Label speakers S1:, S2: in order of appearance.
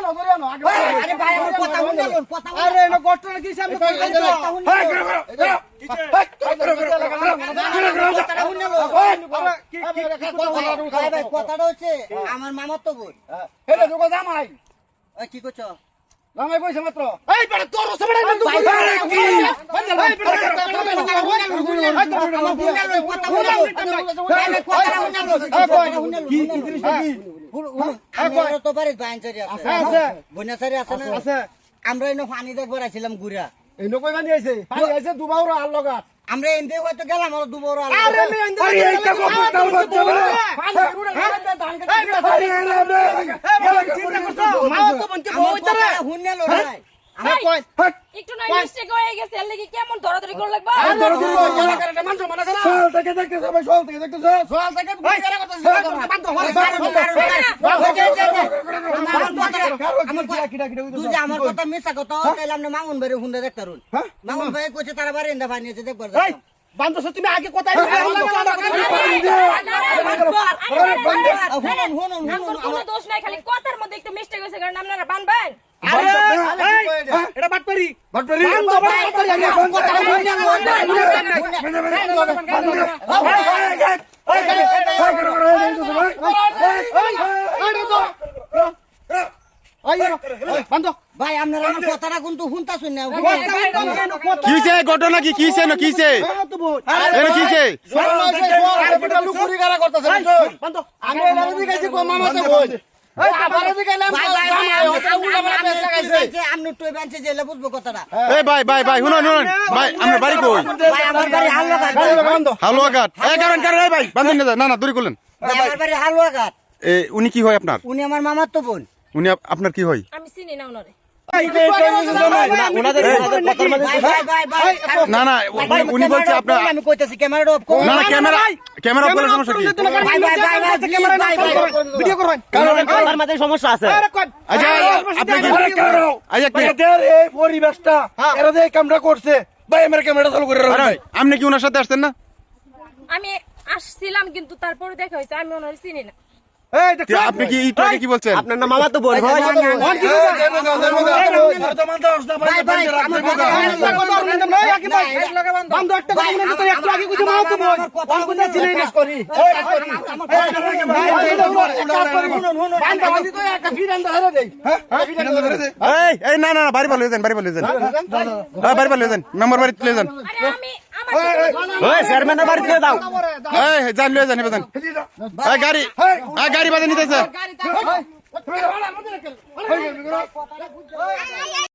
S1: আরে ভাই আমার কথা শুনলেন কথা
S2: আরে এনো ঘটনা কি সামনে
S1: কথাটা হচ্ছে আমার মামার তো বোন
S2: হেলে দুগো জামাই
S1: কি করছো
S2: জামাই কইছে মাত্র এই বেটা তোর সবড়া না তুই
S1: আমরা এনে পানি দেখবার আইছিলাম ঘুরা
S2: এনো কই বানি আইছে পানি আইছে দুবাউরা আর লগা
S1: আমরা এনতে হয়তো গেলাম আর দুবাউরা
S2: আরে আমি এনতে আরে এইটা কথা বলছো না পানি পুরো ধান কাটা আরে চিন্তা করছো মা তো বনকে বইতারে
S1: হুন্নে লড়াই
S2: আমি কই
S3: একটু নয় মিস্টেক হয়ে গেছে এর লাগি কেমন দরাদরি করে লাগবা
S2: আর দরদিন এলা করে মানুষ মনে করে সল থেকে দেখতে সবাই সল থেকে দেখতে সল থেকে গুলি করে করতেছ বান্ধ
S1: তুই যে আমার কথা মিছা কথা তাইলে আমরা মামুন ভাইরে হুন্ডা দেখতে রুন মামুন ভাই কইছে তারা বারে এন্ডা পানি আছে দেখবার
S2: এই বান্ধ তুমি আগে কোথায়
S3: কোনো দোষ নাই খালি কথার মধ্যে একটু মিস্টেক হয়েছে কারণ আপনারা বানবেন
S2: এটা বাটপারি বাটপারি
S1: ভাই আপনারা আমার কথাটা কিন্তু শুনতাছুন না
S4: কি হইছে ঘটনা কি হইছে না কি হইছে এনে কি হইছে
S2: আমি এলাকাতে গেছি গো মামাতে বল এই আমারে দিগাইলাম
S1: আপনি টুই বেঞ্চে জেলে বুঝবো কথাটা
S4: এই ভাই ভাই ভাই শুনুন শুনুন ভাই আপনার বাড়ি কই
S1: ভাই আমার বাড়ি হালুয়াঘাট
S4: হালুয়া ঘাট এই কারণ কারণ এই ভাই বান্ধুন না না দূরে করলেন
S1: আমার বাড়ি হালুয়াঘাট
S4: উনি কি হয় আপনার
S1: উনি আমার মামার তো বোন
S4: উনি আপনার কি হয়
S3: আমি চিনি না ওনারে
S4: না না উনি বলছে আপনার
S1: আমি কইতাছি ক্যামেরাটা অফ করুন
S4: না না ক্যামেরা ক্যামেরা অফ করার সমস্যা কি
S2: ভিডিও করবেন
S4: কারণ
S2: আমার মাঝে সমস্যা আছে
S4: আচ্ছা আপনি কি আচ্ছা
S2: এই পরিবেশটা এরা যে কামটা করছে ভাই আমার ক্যামেরা চালু করে রাখুন
S4: আপনি কি ওনার সাথে আসতেন না
S3: আমি আসছিলাম কিন্তু তারপরে দেখা হয়েছে আমি ওনারে চিনি না
S2: এই দেখ
S4: আপনি কি একটু আগে কি বলছেন
S2: আপনার না মামা তো বোন ভাই
S1: ভাই ভাই আমার কথা
S2: বন্ধ একটা কথা বলেন তো একটু আগে কিছু মামা তো বোন কোন কোন সিনেমাস করি
S4: এই এই না না বাড়ি ভালো যান বাড়ি ভালো যান বাড়ি ভালো যান মেম্বার বাড়ি তুলে যান
S3: আরে আমি আমার
S2: ওই চেয়ারম্যানের বাড়ি দিয়ে দাও
S4: এই যান লয়ে যান এবার যান এই গাড়ি গাড়ি বাজে নিতেছে